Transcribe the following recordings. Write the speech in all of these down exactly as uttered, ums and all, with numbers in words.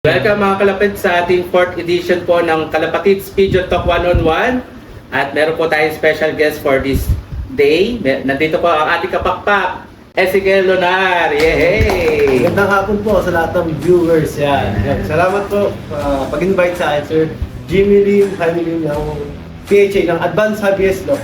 Welcome mga kalapit sa ating fourth edition po ng Kalapatids Pigeon Talk one-on-one. At meron po tayong special guest for this day. Nandito po ang ating kapakpak, Ezekiel Lonar. Yehey! Magandang hapon po sa lahat ng viewers. Yan. Yan. Salamat po uh, pag-invite sa akin, Sir Jimmy Lim, Jaime Lim ng P H A ng Advanced Hobbyist Law.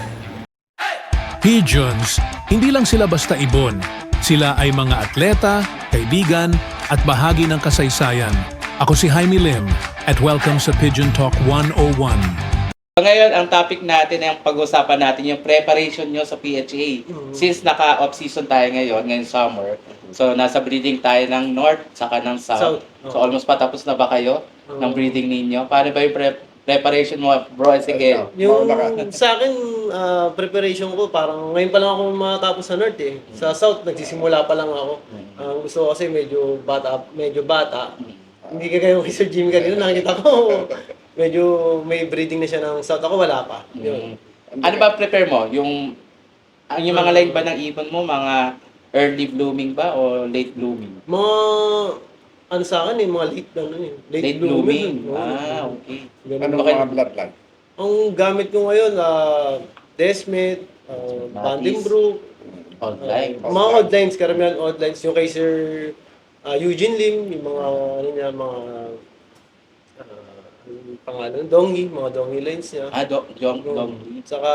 Pigeons, hindi lang sila basta ibon. Sila ay mga atleta, kaibigan, at bahagi ng kasaysayan. Ako si Jaime Lim at welcome sa Pigeon Talk one oh one. So ngayon, ang topic natin ay ang pag-usapan natin yung preparation nyo sa P H A. Mm-hmm. Since naka-off season tayo ngayon, ngayong summer, so nasa breeding tayo ng North saka ng South. South. Oh. So almost patapos na ba kayo Oh. ng breeding ninyo? Paano ba yung pre- preparation mo, bro Ezekiel? Yung sa akin, uh, preparation ko, parang ngayon pa lang ako matapos sa North eh. Sa South, nagsisimula pa lang ako. Ang gusto ko kasi medyo bata, medyo bata. Hindi ka kayo kay Sir Jim kanina, nakikita ko medyo may breeding na siya ng South. Ako wala pa. Yun. Ano ba prepare mo? Yung ang yung mga line ba ng ibon mo, mga early blooming ba o late blooming? Mga, ano sa akin eh, mga late lang eh. Late, Late blooming. Oo. Ah, okay. Ganun. Anong Okay. mga bloodline? Ang gamit ko ngayon, uh, Desmet, uh, Vandenbroek, Old uh, line. mga odd lines, karamihan odd lines. Yung kay Sir uh, Eugene Lim, yung mga, ano niya, mga, uh, anong pangalan, Dongi, mga Dongi lines niya. Ah, do, Jong, Yung- Dong. Saka,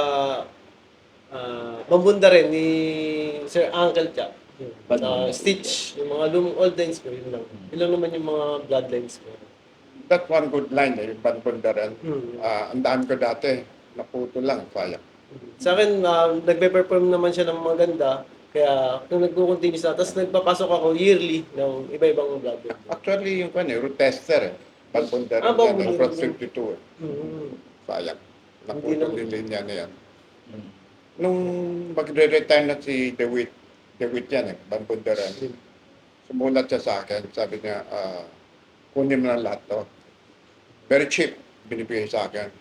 uh, Bambunda rin ni Sir Uncle Chap. Sa Bambunda. Stitch, yung mga lumang old lines ko, yun lang. Yun lang naman yung mga bloodlines ko. That one good line eh, yung Banpundaran. Hmm. Ah, ang daan ko dati, naputo lang, sayang. Sa akin, uh, nagpe-perform naman siya ng maganda. Kaya kung nagko-continue siya, tapos nagpapasok ako yearly ng iba-ibang blood. Actually, yung kan eh, root tester eh. Banpundaran Ah, yan, Banpundaran. ang Cross fifty-two eh. Mm-hmm. Sayang. Hindi Naputo lang- din linya na yan. Nung magre-retire na si DeWitt, DeWitt yan eh, Banpundaran. Sumulat siya sa akin, sabi niya, ah, kunin mo na lahat to. Very cheap, binibigay sa akin.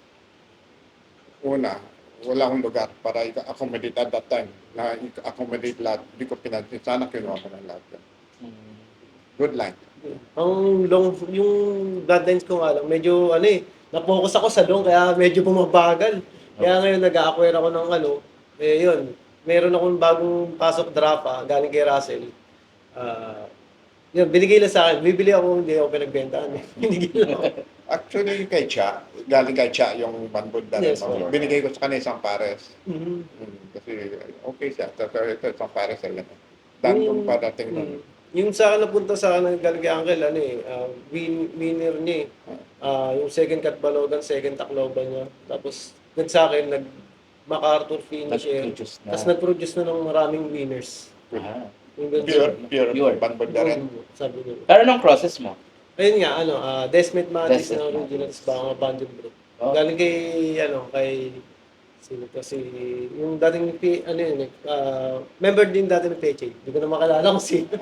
Una, wala akong lugar para i-accommodate at that time. Na i-accommodate lahat, hindi ko pinansin. Sana kinuha ko ng lahat yan. Good line. Ang long, yung bloodlines ko nga lang, medyo ano eh, na-focus ako sa long, kaya medyo bumabagal. Kaya ngayon nag-acquire ako ng ano, eh yun, meron akong bagong pasok draft ah, galing kay Russell. Ah, yun, binigay lang sa akin. Bibili ako, hindi ako pinagbentahan eh. Binigay lang ako. Actually, kay Cha, galing kay Cha yung Banbunda. Yes, no? sir. Binigay ko sa kanya isang pares. Mhm. Hmm, kasi okay siya. Pero ito isang pares ay yan. Dan kung parating nun. Mm. Yung sa akin napunta sa akin ng galing kay Uncle, ano eh, ah, win, winner niya eh. Ah, yung second cut balogan, second takloban niya. Tapos, nag sa akin, nag MacArthur finish eh. Nag-produce na. Tapos nag-produce na ng maraming winners. Ah. Yung ganun. Pure, pure, Pure. Banbunda rin. Mm, sabi niya. Pero anong process mo? Ayun nga, ano, ah Desmet Matis Desmet na Matis. original, tapos baka Vandenbroek. Oh. Galing kay, ano, kay, sino to, si, yung dating, P- ano yun, eh, ah, member din dati ng P H A. Hindi ko na makalala kung sino.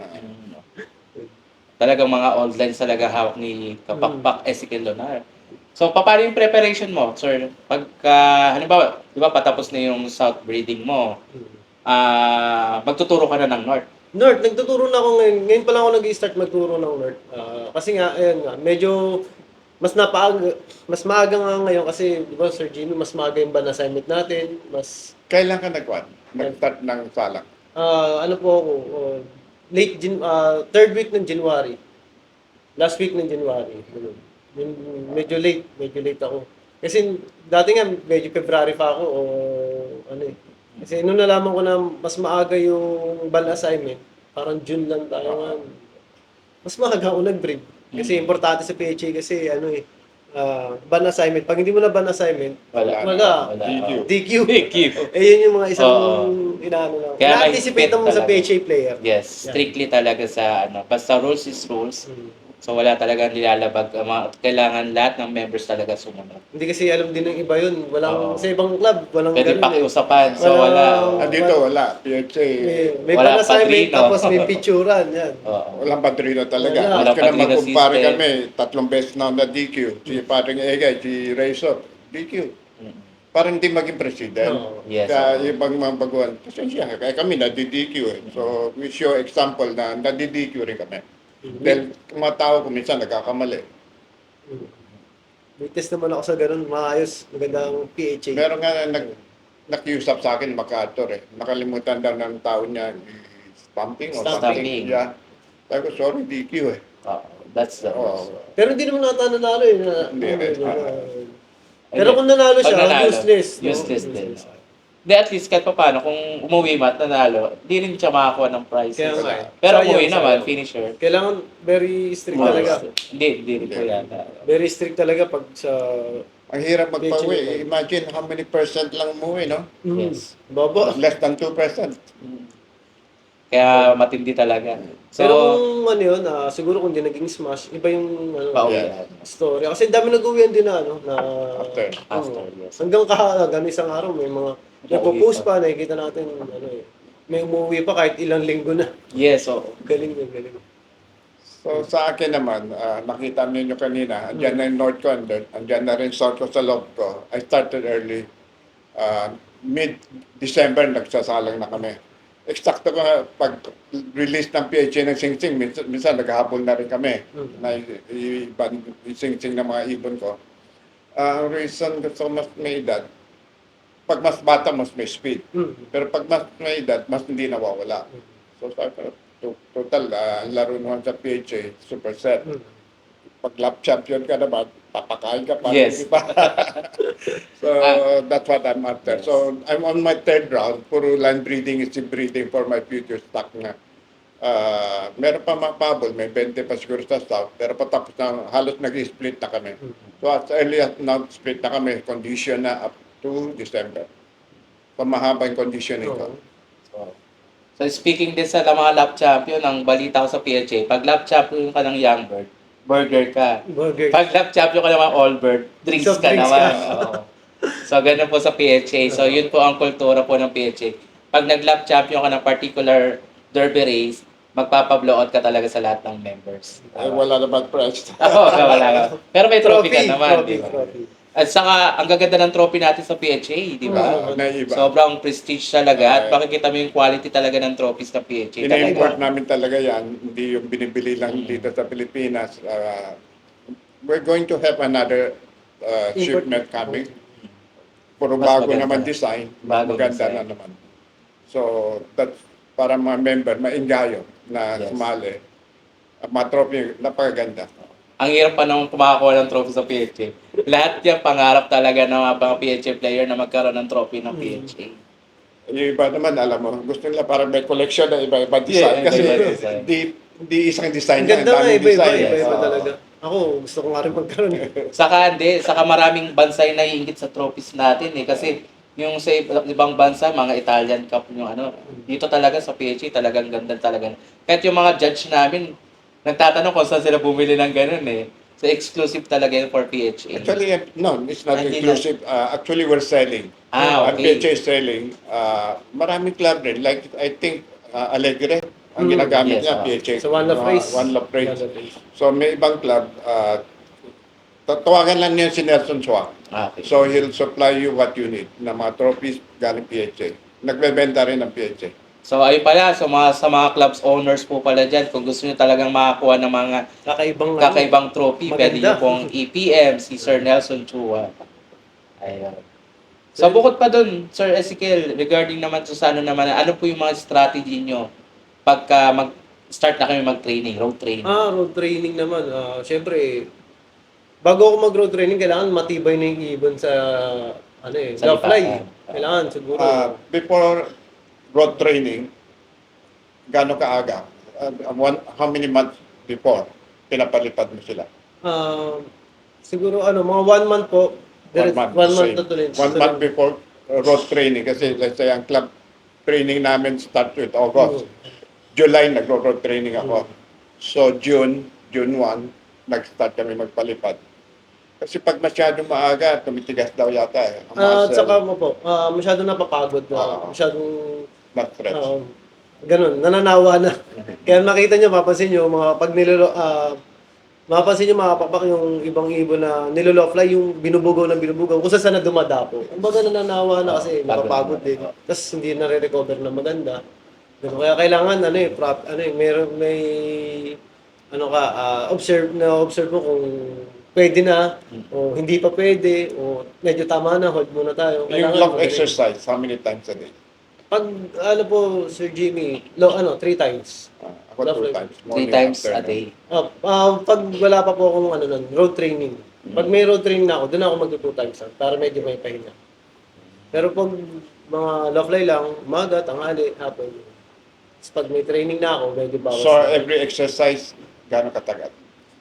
Talagang mga old lines talaga hawak ni Kapakpak Ezekiel Lonar. So, pa- paano yung preparation mo, sir? Pagka, halimbawa, di ba patapos na yung South breeding mo, ah magtuturo ka na ng North. North, nagtuturo na ako ngayon. Ngayon pa lang ako nag-start magturo ng North. Ah, kasi nga, ayun nga, medyo mas napaaga, mas maaga nga ngayon kasi, di ba, Sir Jimmy, mas maaga yung ban assignment natin. Mas, Kailan ka nag-one? Nag-start ng salang? ah, ano po ako, oh, late, Jan- ah, third week ng January. Last week ng January. Ganun. Yun, medyo late, medyo late ako. Kasi dati nga, medyo February pa ako, o ano eh. Kasi nung nalaman ko na mas maaga yung ban assignment, parang June lang tayo nga. Mas maaga ako nag-breed. Kasi importante sa P H A kasi ano eh, ah, ban assignment. Pag hindi mo na ban assignment, Wala. wala. Wala. D Q. D Q. D Q. Eh yun yung mga isang Oo. inaano lang. Kaya Na-anticipate mahigpit mo sa talaga. P H A player. Yes, strictly talaga sa ano. Basta rules is rules. Hmm. So, wala talaga nilalabag. Ang mga- Kailangan lahat ng members talaga sumunod. Hindi kasi alam din ng iba yun. Oo. Walang, sa ibang club, walang Pwede ganun eh. pakiusapan. So, Walang- wala. Ah, dito wala. P H A, May, may Wala ban assignment, padrino. tapos may picturean. Yan. Oo. walang padrino talaga. Wala. Wala. Walang Kaya padrino magkumpare system. kami, tatlong beses na ako na D Q. Si paring Egay, si Razor, D Q. Mm. Para hindi maging president. Oo. Yes. Kaya oo. ibang mga baguhan, pasensya, kaya kami na-D D Q eh. So, we show example na na-D D Q rin kami. Dahil yung mga tao ko minsan nagkakamali. Mm. May test naman ako sa ganun, maayos, magandang P H A. Meron nga nag, nakiusap sa akin, MacArthur eh. Nakalimutan daw ng tao niya, stamping o Stamping. something. Yeah. Sabi ko, sorry, D Q eh. Oh, that's the Oo. Pero hindi naman nata nanalo eh. Na, Hindi ano, rin. na- Ah. pero kung nanalo Pag siya, nanalo, useless. no? Useless din. Hindi, at least kahit pa paano, kung umuwi man at nanalo, di rin siya makakuha ng prizes. Kaya nga eh. Pero Sayang, umuwi naman, sayang. finisher. Kailangan very strict talaga. Hindi, hindi rin po yata. Very strict talaga pag sa... Ang hirap P H A. magpawi. Imagine how many percent lang umuwi, no? Mm, Yes. Baba. Less than two percent. Kaya matindi talaga. So, Pero kung ano yun, ah, siguro kung di naging smash, iba yung ano, pauwi Yeah. yan. story. Kasi dami nag-uwian din na, ano, na... After. After, Oo. yes. Hanggang kahalagan, isang araw, may mga nagpo-post pa, nakikita natin, ano eh. May umuwi pa kahit ilang linggo na. Yes, so, Galing na, galing. So sa akin naman, ah, nakita niyo kanina, andyan na yung North ko, andyan, andyan na rin South ko sa loob ko. I started early. Ah, mid-December, nagsasalang na kami. Eksakto ko nga, pag-release ng P H A ng Sing Sing, minsan, minsan naghahabol na rin kami Mm. na i- i- iban yung Sing Sing ng mga ibon ko. Ah, Ang reason gusto ko mas may edad, pag mas bata, mas may speed. Mm. Pero pag mas may edad, mas hindi nawawala. So sabi ko, to- total, ah, ang laro naman sa P H A, super set. Mm. Pag lap champion ka naman, papakain ka pa. Yes. Di ba? So Ah. that's what I'm after. Yes. So I'm on my third round. Puro land breeding is breeding for my future stock na. Ah, meron pa mga pabol, may twenty pa siguro sa south, pero patapos na, halos nag-split na kami. So as early as now, split na kami, condition na up to December. Pamahaba yung conditioning ko. Oo. so, so speaking din sa mga lap champion, ang balita ko sa P H A, pag lap champion ka ng young bird, burger ka. Burger. Pag lap champion ka naman all bird, drinks So, ka drinks naman. ka. Oo. So, ganun po sa P H A. So, yun po ang kultura po ng P H A. Pag nag-lap champion ka ng particular derby race, magpapa-blow out ka talaga sa lahat ng members. Ay, wala naman price. Oo, wala ka. Pero may trophy, ka naman, trophy, di ba? trophy. At saka, ang gaganda ng trophy natin sa P H A, di ba? Ah, naiba. Sobrang prestige talaga at Okay. makikita mo yung quality talaga ng trophies ng P H A. Ini-import Talaga. namin talaga yan, hindi yung binibili lang dito sa Pilipinas. Ah, we're going to have another uh, Import. shipment coming. Puro Mas bago maganda. naman design, Bagong maganda design. na naman. So, that's para mga member, maingayo na Yes. sumali. At mga trophy, napakaganda. Ang hirap pa nung kumakakuha ng trophy sa P H A. Lahat yan pangarap talaga ng mga mga P H A player na magkaroon ng trophy ng P H A. Yung iba naman, alam mo, gusto nila parang may collection na iba-iba design. Yeah, kasi iba-iba design. di, di isang design Ang lang, ganda nga, daming iba-iba, design. iba-iba Oo. talaga. Ako, gusto ko nga rin magkaroon. Saka hindi, saka maraming bansa yung naiingit sa trophies natin eh. Kasi yung sa ibang bansa, mga Italian Cup yung ano, dito talaga sa P H A talagang ganda talaga. Kahit yung mga judge namin, nagtatanong kung saan sila bumili ng ganun eh. So exclusive talaga yun for P H A. Actually, eh, no, it's not Hindi inclusive. Uh, actually, we're selling. Ah, Ang okay. P H A is selling. Uh, maraming club rin. Like, I think, uh, Alegre, ang Mm, ginagamit yes, niya, ah. P H A. So, one love Uh, race. One love race. One love race. So, may ibang club, uh, tatawagan lang niya si Nelson Chua. Ah, okay. So, he'll supply you what you need na mga trophies galing P H A. Nagbebenta rin ng P H A. So ayun pala, so mga, sa mga clubs owners po pala dyan, kung gusto nyo talagang makakuha ng mga Kakaibang, ano, kakaibang trophy, Maganda. pwede nyo pong E P M, si Sir Nelson Chua. Ayun. So bukod pa dun, Sir Ezekiel, regarding naman to sa ano naman, ano po yung mga strategy nyo pagka mag-start na kami mag-training, road training? Ah, road training naman. Ah, Siyempre, bago ako mag-road training, kailangan matibay na yung ibon sa, ano eh, Sa sa fly. lipatan. Kailangan, siguro. Uh, before road training, gano'ng kaaga? Uh, one, how many months before pinapalipad mo sila? Ah, siguro, ano, mga one month po. One Dire- month. One month same. na tuloy. One month before uh, road training. Kasi let's say ang club training namin start with August. July, nagro-road training ako. So June, June first, nag-start kami magpalipad. Kasi pag masyado maaga, tumitigas daw yata eh. Ang Ah, At muscle, saka mo po, ah, masyadong napapagod na. Oo. Masyadong, na-stretch. ah, ganun, nananawa na. Kaya makita nyo, mapapansin nyo, mga pag nilolo, ah, mapapansin nyo mga papak yung ibang ibon na nilolow fly, yung binubugaw na binubugaw, kung saan na dumadapo. Ang baga nananawa na kasi napapagod din. Tapos hindi na-recover na maganda. Ganun. Kaya kailangan, ano eh, prop, ano eh, meron, may ano ka, ah, observe na observe mo kung pwede na, o hindi pa pwede, o medyo tama na, hold muna tayo. Yung Kailangan love magaling. exercise, how many times a day? Pag, ano po, Sir Jimmy, lo, ano, three times. Ah, ako Love two life. times. Three morning, times a afternoon. day. Ah, ah, pag wala pa po akong ano nun, road training. Pag may road training na ako, doon ako mag-two times ah, para medyo may pahinga. Pero pag mga love life lang, umaga, tanghali, hapon. Tapos pag may training na ako, medyo bawas So, na. every exercise, gano'ng katagal?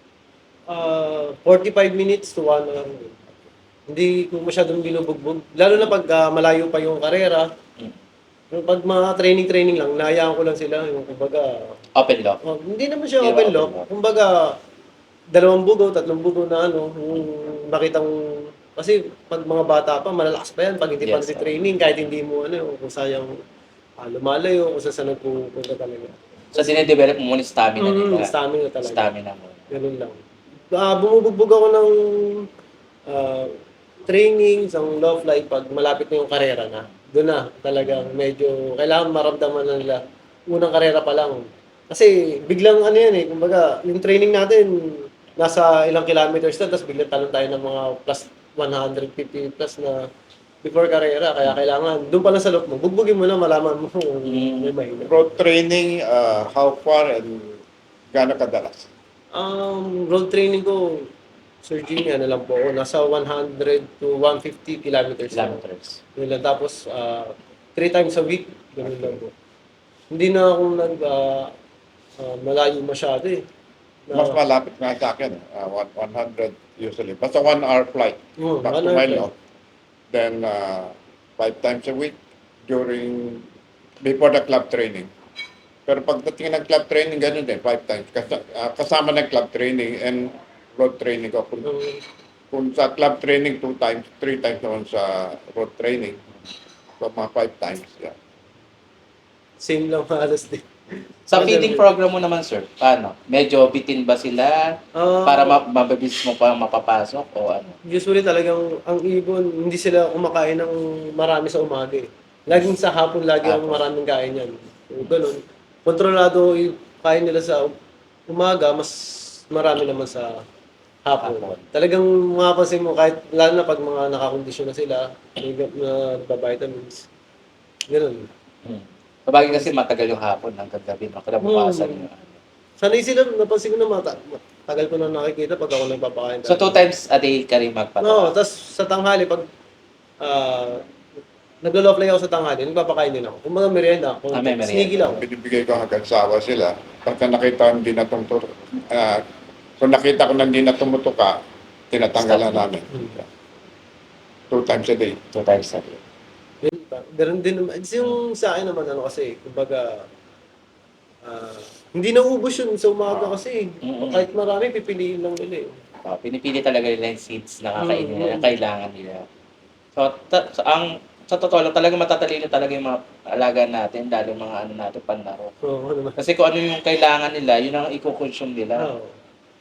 Ah, forty-five minutes to one hour. Hindi ko masyadong binubugbog. Lalo na pag ah, malayo pa yung karera. Yung pag mga training-training lang, nahayaan ko lang sila. Yung kumbaga, Open lock. oh, hindi naman siya Hindi open naman lock. open lock. Kumbaga, dalawang bugaw, tatlong bugaw na ano, yung makitang, kasi pag mga bata pa, malalakas pa yan. Pag hindi pa Yes, sir. training, kahit hindi mo ano, kung sayang ah, lumalayo, kung saan saan nagpupunta talaga. So, dinedevelop mo muna yung stamina Mm, nila. stamina talaga. Stamina mo. Ganun lang. Ah, bumubugbog ako ng ah, training sa love life pag malapit na yung karera na. Doon na talagang medyo kailangan maramdaman na nila unang karera pa lang. Kasi biglang ano yan eh, kumbaga yung training natin nasa ilang kilometers na tapos biglang talon tayo ng mga plus one fifty plus na before karera. Kaya kailangan doon pa lang sa loob mo, bugbugin mo na malaman mo kung may mahina. Road training, uh, how far and gano'ng kadalas? Um, road training ko, Sir Jimmy, ano lang po ako, nasa one hundred to one fifty kilometers. lang. Kilometers. Yun lang. Tapos, ah, three times a week, ganun lang po. Hindi na ako nag, ah, ah, malayo masyado eh. Na- Mas malapit nga sa akin, uh, one- 100 usually. Basta one hour flight, Oo, back one to hour Milo. Then, uh, five times a week during, before the club training. Pero pagdating ng club training, ganun din, five times. Kas- ah, kasama ng club training and road training ko. Kung, Um, kung sa club training, two times, three times naman sa road training. So, mga five times, yeah. same lang halos din. Sa Other feeding way. program mo naman, sir, paano? Medyo bitin ba sila Ah, para ma- mababilis mo pa mapapasok o ano? Usually talagang ang ibon, hindi sila kumakain ng marami sa umaga eh. Laging sa hapon, lagi ang Hapon. maraming kain yan. So, ganun. Kontrolado yung kain nila sa umaga, mas marami naman sa hapon. Hapon. Talagang mapapansin mo, kahit lalo na pag mga nakakondisyon na sila, may ga- na vitamins. Ganun. Hmm. Sabagay kasi matagal yung hapon hanggang gabi, no? Kinabukasan Hmm. yung ano. Sanay sila, napansin ko na mata, tagal ko na nakikita pag ako nagpapakain. So, two times a day ka rin No, magpatawa? tapos sa tanghali, pag uh, naglo-love life ako sa tanghali, nagpapakain din ako. Kung mga merienda, kung Ah, may merienda. sneaky lang. Binibigay ko hanggang sawa sila. Pagka nakita ko hindi na tumutur, ah, kung nakita ko na hindi na tumutuka, tinatanggalan Stop. namin. Two times a day. Two times a day. Yun pa. Ganun din naman. It's yung sa akin naman, ano kasi, kumbaga, ah, hindi na ubos yun sa umaga kasi. Mm-mm. Kahit marami, pipiliin lang nila eh. Oh, pinipili talaga nila yung seeds na kakainin nila, Mm. na kailangan nila. So, ta- sa- ang sa totoo lang, talaga matatalino talaga yung mga alaga natin, lalo yung mga ano natin, panlaro. Oo, ano naman. Kasi kung ano yung kailangan nila, yun ang i-consume nila. Oo.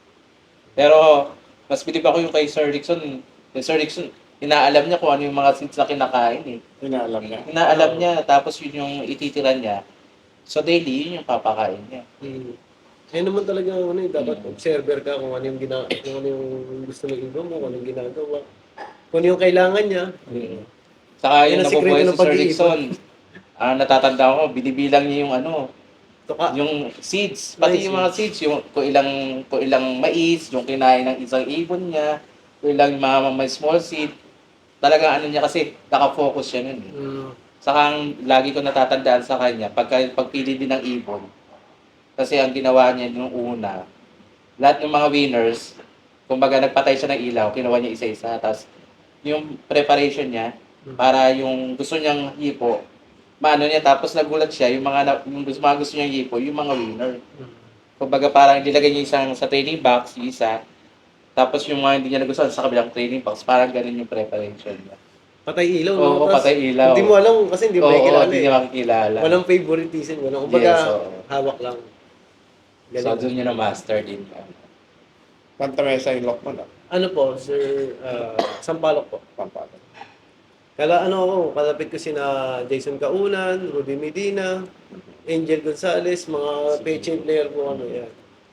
Pero, mas bilib ako yung kay Sir Rickson. Kay Sir Rickson, inaalam niya kung ano yung mga seeds na kinakain eh. Inaalam niya. Inaalam niya, tapos yun yung ititira niya. So, daily, yun yung papakain niya. Mm. Ayun naman talaga, ano eh, dapat Mm. observer ka kung ano yung, gina kung ano yung gusto ng iba mo, kung ano yung ginagawa. Kung ano yung kailangan niya. Saka Yan yung ang sikreto nabubuhay ng si Sir pag-iipon. Rickson, ah, natatanda ko, binibilang niya yung ano, Tuka. yung seeds, pati Nice, yung mga seeds, yung kung ilang kung ilang mais, yung kinain ng isang ibon niya, kung ilang mga may small seed. Talagang ano niya kasi naka-focus siya nun. Eh. Mm. Saka ang lagi ko natatandaan sa kanya, pagka pagpili din ng ibon, kasi ang ginawa niya nung una, lahat ng mga winners, kumbaga nagpatay siya ng ilaw, kinuha niya isa-isa, tapos yung preparation niya, para yung gusto niyang hipo, maano niya, tapos nagulat siya, yung mga, na- yung gusto, mga gusto niyang hipo, yung mga winner. Kumbaga parang nilagay niya isang sa training box, yung isa, tapos yung mga hindi niya nagustuhan sa kabilang training box, parang ganun yung preparation niya. Patay ilaw, Oo, Tapos, patay ilaw. Hindi mo alam kasi hindi mo Oo, makikilala hindi eh. niya makikilala. Walang favoritism, walang kumbaga Yes, oo. hawak lang. So, doon niya na-master din. Santa Mesa yung lock mo na. Ano po, Sir, uh, Sampalok po. Pampalo. Kala ano ako, kalapit ko sina Jason Kaunan, Rudy Medina, Angel Gonzalez, mga peche player po ano yan.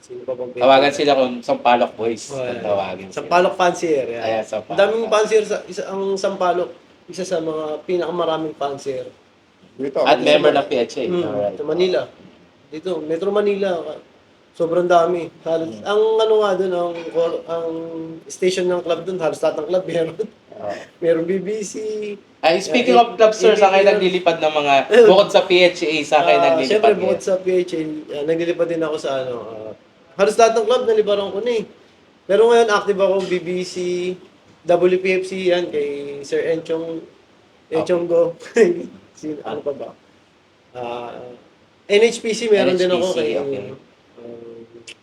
Sino pa bang pwede? Tawagan sila kung Sampaloc Boys. Oh, Ang yan. tawagin sila. Sampaloc Fancier. Yan. Ayan, Sampaloc. Ang daming fancier sa isa, ang Sampaloc, isa sa mga pinakamaraming fancier. Dito, At ako- member ng P H A. Mm, Alright. sa Manila. Dito, Metro Manila. Sobrang dami. Halos, ang ano nga doon, ang, ang station ng club doon, halos lahat ng club meron. Oh. Meron B B C. Ay, speaking Yeah, of clubs, sir, A B C sa kayo yun. naglilipad ng mga, bukod sa P H A, sa kayo Ah, naglilipad Siyempre, ngayon? bukod sa P H A, ah, naglilipad din ako sa ano, ah, halos lahat ng club nalibaran ko na eh. Pero ngayon, active ako B B C, W P F C, yan, kay Sir Enchong, Enchong Go. Sino, ano pa ba? Ah, N H P C, meron din ako N H P C, kay... okay. ah,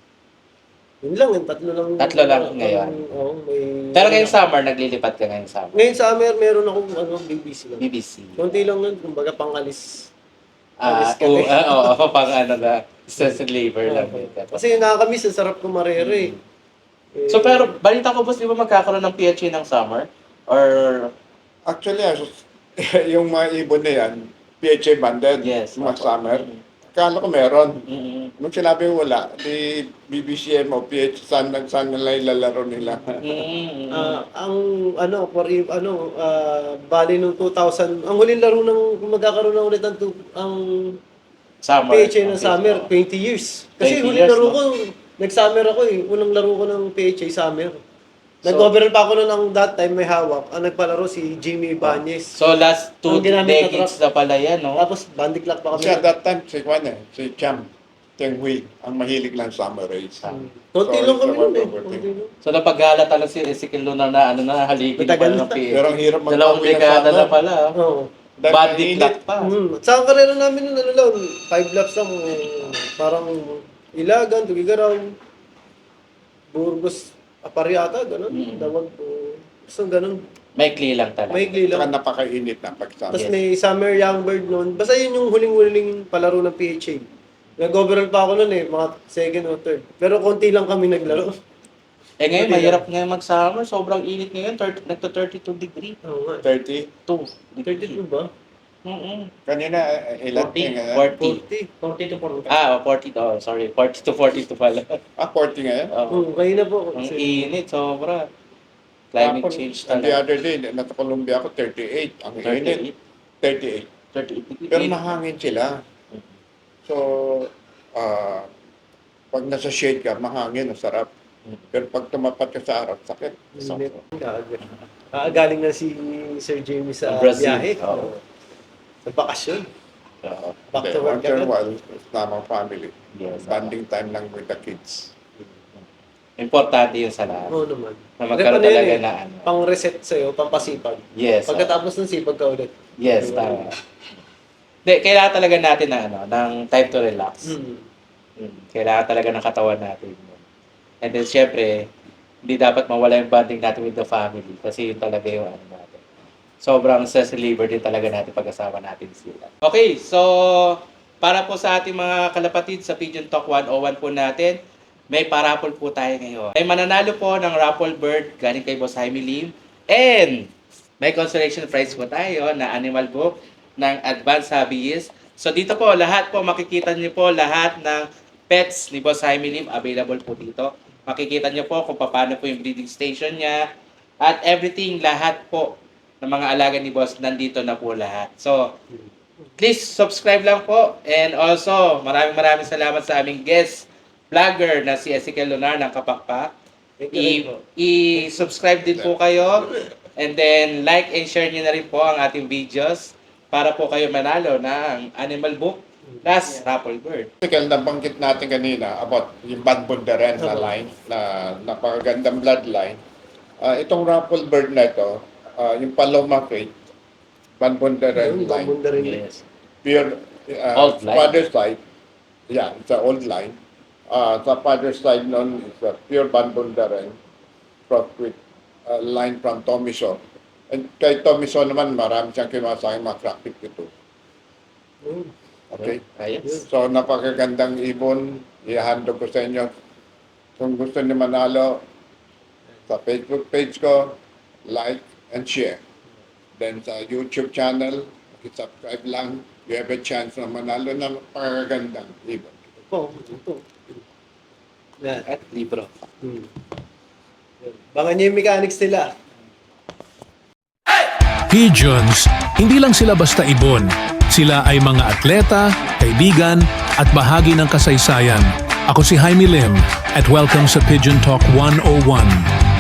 yun lang, yung tatlo lang. Tatlo lang ah, ngayon. Oo, may... Pero ngayong summer, naglilipad ka ngayong summer. Ngayon summer, meron akong ano, B B C lang. B B C. Konti lang nun, kumbaga pangalis. Ah, Alis kami. oo, ah, oo, pang ano na, stress and labor lang. Oo. yun. Kasi nakakamiss, ang sarap kumarere eh. Eh, So pero, balita ko boss, di ba magkakaroon ng P H A ng summer? Or, Actually, ah, yung mga ibon na yan, P H A banded, yes. mga opo. summer. Mm, Kala ko meron. mm, Nung sinabi wala, di B B C M o P H, saan, saan nila ilalaro nila. mm, mm. ah, ang ano, for if, ano, ah, bali nung two thousand, ang huling laro ng magkakaroon na ulit ang, tu- ang Summer. P H A ng Okay, summer, so, twenty years. Kasi twenty huling years, laro no? ko, nag-summer ako eh. Unang laro ko ng P H A summer. Nag-overall pa ako noon ang that time may hawak. Ang nagpalaro si Jimmy Ibanez. So last two Ang ginamit na decades na pala yan, no? Tapos bandy clock pa kami. Kasi at that time, si Juan eh, si Cham, Cheng Hui, ang mahilig lang summer race. Ah. Hmm. Konti So, lang kami it's noon eh. a one Konti lang. So napaggala talaga si Ezekiel Lunar na ano na haligin pa Matagal ng na. P H A. Pero ang hirap Dalawang magpauwi ng dekada na summer. pala. ah. Oo. Dahil Body mainit. clock pa. Hmm. Sa ang karera namin nun, ano lang, five laps lang, eh, parang Ilagan, Tugigaraw, Burgos, Apariata, gano'n. Mm. Dawag po. Basta gano'n. Maikli lang talaga. Maigli Saka lang. napakainit na pag summer. Tapos may Summer Youngbird noon. Basta yun yung huling-huling palaro ng P H A. Nag-overall pa ako noon eh, mga second or third. Pero konti lang kami naglaro. Eh ngayon, Hindi mahirap ngayon mag-summer. Sobrang init ngayon. thirty, nagto thirty-two degree. Oo nga. thirty. two thirty-two ba? Mm-mm. Kanina, eh, ilan forty. ngayon? forty. forty. forty to forty. Ah, forty. Oh, sorry. forty to forty-two pala. Ah, forty ngayon? Oh. Oo, kayo na po. Ang Kasi- init, sobra. Climate Tapos, change and the talaga. other day, nasa Colombia ako, thirty-eight. Ang init. thirty-eight. thirty-eight. thirty-eight degree. Pero mahangin sila. So, ah, pag nasa shade ka, mahangin, ang sarap. Pero pag tumapat ka sa araw, sakit. Init. Kaaga. Ah, galing na si Sir Jamie sa Brazil. biyahe. Oo. Sa bakasyon. Oo. Back Hindi, to work once in a agad. while, kasama ang family. Yes. Bonding time lang with the kids. Importante yun sa lahat. Oo naman. Na magkaroon Ano yun talaga eh, na ano. Pang-reset sa'yo, pampasipag. Yes. oo. Pagkatapos ng sipag ka ulit. Yes, tama. Hindi, kailangan talaga natin na ano, ng time to relax. Hmm. Mm, Kailangan talaga ng katawan natin. And then, syempre, hindi dapat mawala yung bonding natin with the family kasi yun talaga yung ano natin. Sobrang stress reliever din talaga natin pag-asama natin sila. Okay, so para po sa ating mga kalapatid sa Pigeon Talk one oh one po natin, may parapol po tayo ngayon. May mananalo po ng raffle bird galing kay Boss Jaime Lim. And may consolation prize po tayo na animal book ng Advanced Hobbyist. So dito po, lahat po, makikita niyo po lahat ng pets ni Boss Jaime Lim available po dito. Makikita niyo po kung paano po yung breeding station niya at everything, lahat po ng mga alaga ni Boss, nandito na po lahat. So, please subscribe lang po. And also, maraming maraming salamat sa aming guest vlogger na si Ezekiel Lunar ng Kapakpak. Thank you rin po. I- I-subscribe din po kayo. And then, like and share niyo na rin po ang ating videos para po kayo manalo ng animal book plus raffle bird. Kaya nabanggit natin kanina about yung Banbundaren na line, na napakagandang bloodline. Ah, itong raffle bird na ito, ah, yung Paloma Crate, Banbundaren Yung line, bambunda rin. Yes. pure uh, Old line. father's side, yeah, it's an old line. Uh, sa father's side nun is a pure Banbundaren, crossed with a line from Tomiso. And kay Tomiso naman, marami siyang kimasayang mga crack fifty-two. Hmm. Okay? Ayos. So, napakagandang ibon. Ihandog ko sa inyo. Kung gusto niyo manalo, sa Facebook page ko, like and share. Then sa YouTube channel, subscribe lang. You have a chance na manalo na napakagandang ibon. Po, ito. Yan. At libro. Hmm. Yan. Bangan niyo yung mechanics nila. Pigeons, hindi lang sila basta ibon. Sila ay mga atleta, kaibigan, at bahagi ng kasaysayan. Ako si Jaime Lim at welcome sa Pigeon Talk one oh one.